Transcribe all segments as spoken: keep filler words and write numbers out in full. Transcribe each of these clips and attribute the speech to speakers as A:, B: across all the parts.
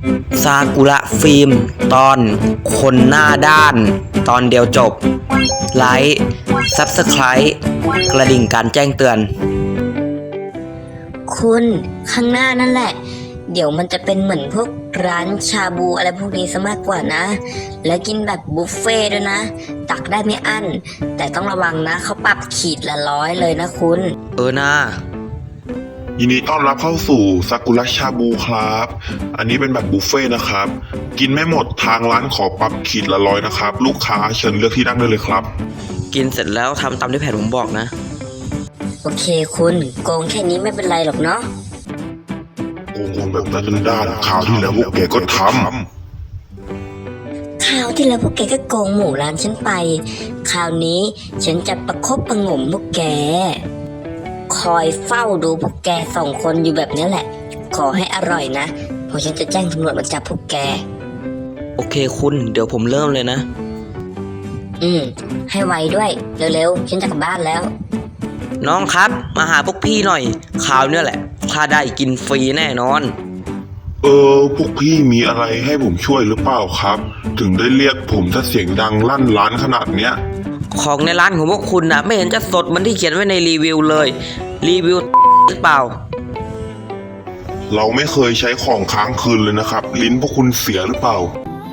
A: ซากุระฟิล์มตอนคนหน้าด้านตอนเดียวจบไลค์ซับสไครต์กระดิ่งการแจ้งเตือน
B: คุณข้างหน้านั่นแหละเดี๋ยวมันจะเป็นเหมือนพวกร้านชาบูอะไรพวกนี้ซะมากกว่านะและกินแบบบุฟเฟ่ด้วยนะตักได้ไม่อั้นแต่ต้องระวังนะเขาปรับขีดละร้อยเลยนะคุณ
A: เออนะ
C: ยินดีต้อนรับเข้าสู่ซากุระชาบูครับอันนี้เป็นแบบบุฟเฟ่นะครับกินไม่หมดทางร้านขอปรับขีดละร้อยนะครับลูกค้าเชิญเลือกที่นั่งได้เลยครับ
A: กินเสร็จแล้วทำตามที่แผนผมบอกนะ
B: โอเคคุณโกงแค่นี้ไม่เป็นไรหรอกเนาะ
C: โกงแบบนั้นด้านข่าวที่แล้วพวกแกก็ท
B: ำข่าวที่แล้วพวกแกก็โกงหมูร้านฉันไปคราวนี้ฉันจะประคบประหงมพวกแกคอยเฝ้าดูพวกแกสองคนอยู่แบบนี้แหละขอให้อร่อยนะเพราะฉันจะแจ้งตำรวจมาจับพวกแก
A: โอเคคุณเดี๋ยวผมเริ่มเลยนะ
B: อืมให้ไวด้วยเร็วๆฉันจะกลับบ้านแล้ว
A: น้องครับมาหาพวกพี่หน่อยข่าวเนี่ยแหละถ้าได้กินฟรีแน่นอน
C: เออพวกพี่มีอะไรให้ผมช่วยหรือเปล่าครับถึงได้เรียกผมถ้าเสียงดังลั่นร้านขนาดเนี้ย
A: ของในร้านของพวกคุณนะไม่เห็นจะสดเหมือนที่เขียนไว้ในรีวิวเลยรีวิวหรือเปล่า
C: เราไม่เคยใช้ของค้างคืนเลยนะครับลิ้นพวกคุณเสียหรือเปล่า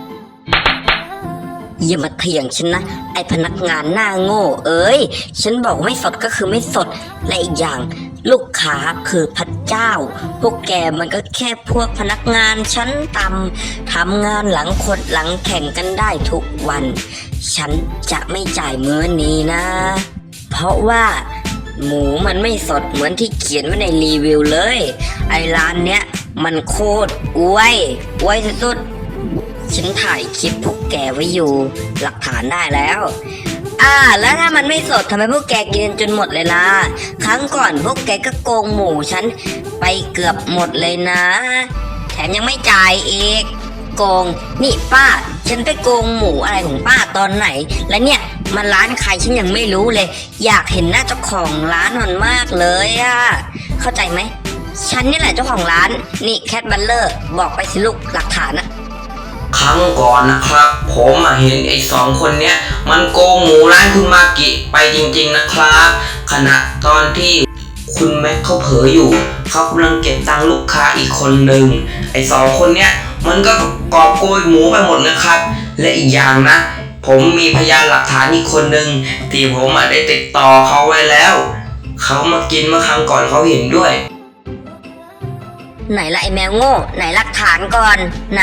B: อย่ามาเถียงฉันนะไอพนักงานหน้าโง่เอ้ยฉันบอกไม่สดก็คือไม่สดและอีกอย่างลูกค้าคือพระเจ้าพวกแกมันก็แค่พวกพนักงานชั้นต่ำทำงานหลังคดหลังแข่งกันได้ทุกวันฉันจะไม่จ่ายมื้อนี้นะเพราะว่าหมูมันไม่สดเหมือนที่เขียนไว้ในรีวิวเลยไอร้านเนี้ยมันโคตรอวยอวยสุดๆฉันถ่ายคลิปพวกแกไว้อยู่หลักฐานได้แล้วอ่าแล้วถ้ามันไม่สดทำไมพวกแกกินจนหมดเลยล่ะครั้งก่อนพวกแกก็โกงหมูฉันไปเกือบหมดเลยนะแถมยังไม่จ่ายอีกโกงนี่ป้าฉันไปโกงหมูอะไรของป้าตอนไหนแล้วเนี่ยมันร้านใครฉันยังไม่รู้เลยอยากเห็นหน้าเจ้าของร้านมันมากเลยอะเข้าใจไหมฉันนี่แหละเจ้าของร้านนี่แคทบัลเลอร์บอกไปสิลูกหลักฐานอะ
A: ครั้งก่อนนะครับผมเห็นไอ้สองคนเนี้ยมันโกงหมูร้านคุณมากิไปจริงๆนะครับขณะตอนที่คุณแม็กเขาเผลออยู่เขากำลังเก็บตังค์ลูกค้าอีกคนหนึ่งไอ้สองคนเนี้ยมันก็กอบโกยหมูไปหมดเลยครับและอีกอย่างนะผมมีพยานหลักฐานอีกคนหนึ่งที่ผมได้ติดต่อเขาไว้แล้วเขามากินเมื่อครั้งก่อนเขาเห็นด้วย
B: ไหนละไอ้แมวโง่ไหนหลักฐานก่อนไหน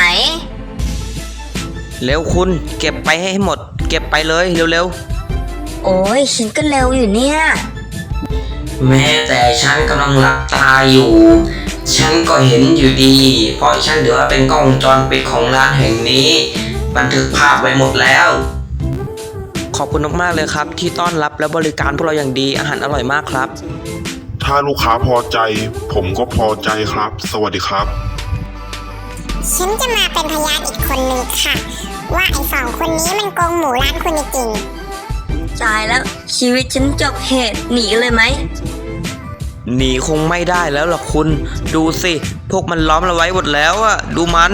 A: เร็วคุณเก็บไปให้หมดเก็บไปเลยเร็ว
B: ๆโอ้ยฉันก็เร็วอยู่เนี่ย
A: แม้แต่ฉันกำลังหลับตาอยู่ฉันก็เห็นอยู่ดีเพราะฉันถือว่าเป็นกล้องวงจรปิดของร้านแห่งนี้บันทึกภาพไว้หมดแล้วขอบคุณมากๆเลยครับที่ต้อนรับและบริการพวกเราอย่างดีอาหารอร่อยมากครับ
C: ถ้าลูกค้าพอใจผมก็พอใจครับสวัสดีครับ
D: ฉันจะมาเป็นพยานอีกคนนึงค่ะว่าไอ้สองคนนี้มันโกงหมูร้านคุณจริง
B: ตายแล้วชีวิตฉันจบเหตุหนีกันเลยไหม
A: หนีคงไม่ได้แล้วหรอกคุณดูสิพวกมันล้อมเราไว้หมดแล้วอะดูมัน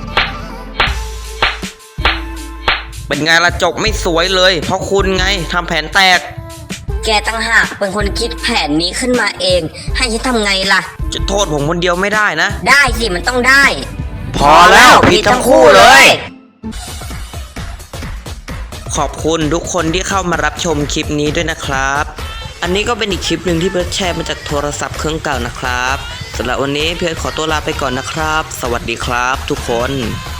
A: เป็นไงละจบไม่สวยเลยเพราะคุณไงทำแผนแตก
B: แกตั้งหากเป็นคนคิดแผนนี้ขึ้นมาเองให้ฉันทำไงล่ะ
A: จะโทษผมคนเดียวไม่ได้นะ
B: ได้สิมันต้องได้
A: พอแล้วผิดทั้งคู่เลยขอบคุณทุกคนที่เข้ามารับชมคลิปนี้ด้วยนะครับอันนี้ก็เป็นอีกคลิปหนึ่งที่เพิร์ทแชร์มาจากโทรศัพท์เครื่องเก่านะครับสำหรับวันนี้เพิร์ทขอตัวลาไปก่อนนะครับสวัสดีครับทุกคน